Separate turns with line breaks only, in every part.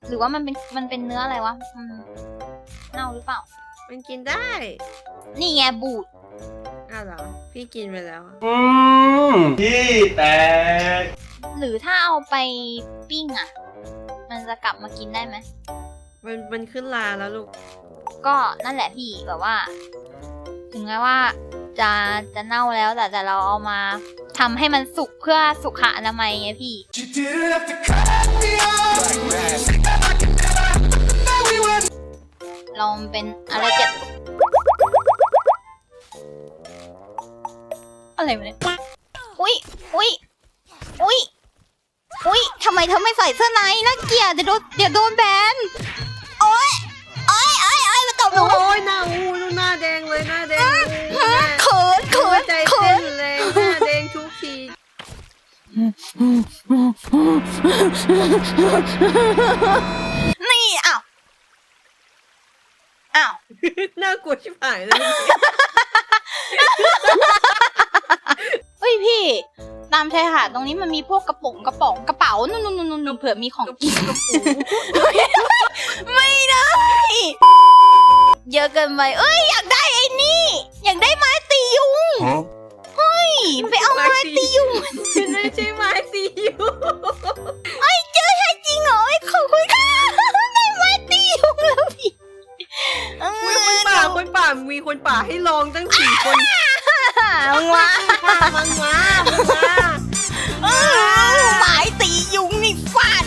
หรือว่ามันเป็นเนื้ออะไรวะเน่าหรือเปล่า
มันกินได้
นี่ไงบูด
อ้าวเหรอพี่กินไปแล้ว
พี่แตก
หรือถ้าเอาไปปิ้งอ่ะมันจะกลับมากินได้ไหม
มันขึ้นลาแล้วลูก
ก็นั่นแหละพี่แบบว่า ถึงแม้ว่าจะเน่าแล้วแต่เราเอามาทำให้มันสุกเพื่อสุขอนามัยไงพี่เราเป็นอะไรอะไรวะเนี่ยอุ๊ยทำไมเธอไม่ใส่เสื้อในน่าเกลียดเดี๋ยวโดนแบนโอ๊ยมาตบหนู
โอ้ยหน้าหน้าแดงเลยหน้าแดง
เขิน
ใจเต้นเลยหน้าแดงทุกที
นี่อ้าว
น่ากลัวชิบหายเลย
เฮ้ยพี่ตามชายหาดตรงนี้มันมีพวกกระป๋านู่นเผื่อมีของกินไม่ได้เยอะเกินไปเอ้ยอยากได้ไอ้นี่อยากได้ไม้ตียุงเฮ้ยไปเอาไม้ตียุง
ไม่ใช่ไม้ตียุง
ไอ้เจอใช่จริงเหรอไอ้ขอบคุณค่ะได้ไม้ตียุงแล้วพี่
คนป่ามีคนป่าให้ลองตั้ง4 คน
ว้า
มันมา
ไม้ตียุงนี่ฟาด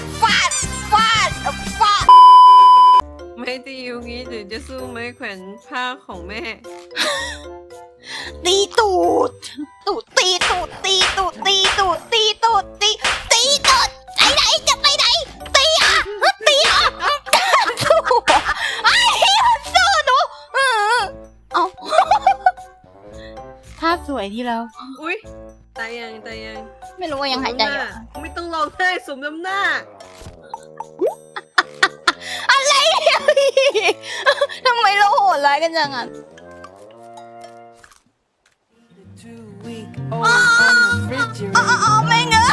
ไม่ตียุงนี้หรือจะสู้ไม้แขวนผ้าของแม่
ตีตูดตีไหนจะไปไหนตีอ่ะไอ้มันสู้หนูเอาภาพสวยที่แล้ว
อุ๊ยตายยัง
ไม่รู้ว่ายังหายใจอยู่
ไม่ต้องร้องไห้สมน้ำหน้า
อะไรเนี่ยพี่ทำไมเราโหดร้ายกันจังอ่ะแม่งเอ้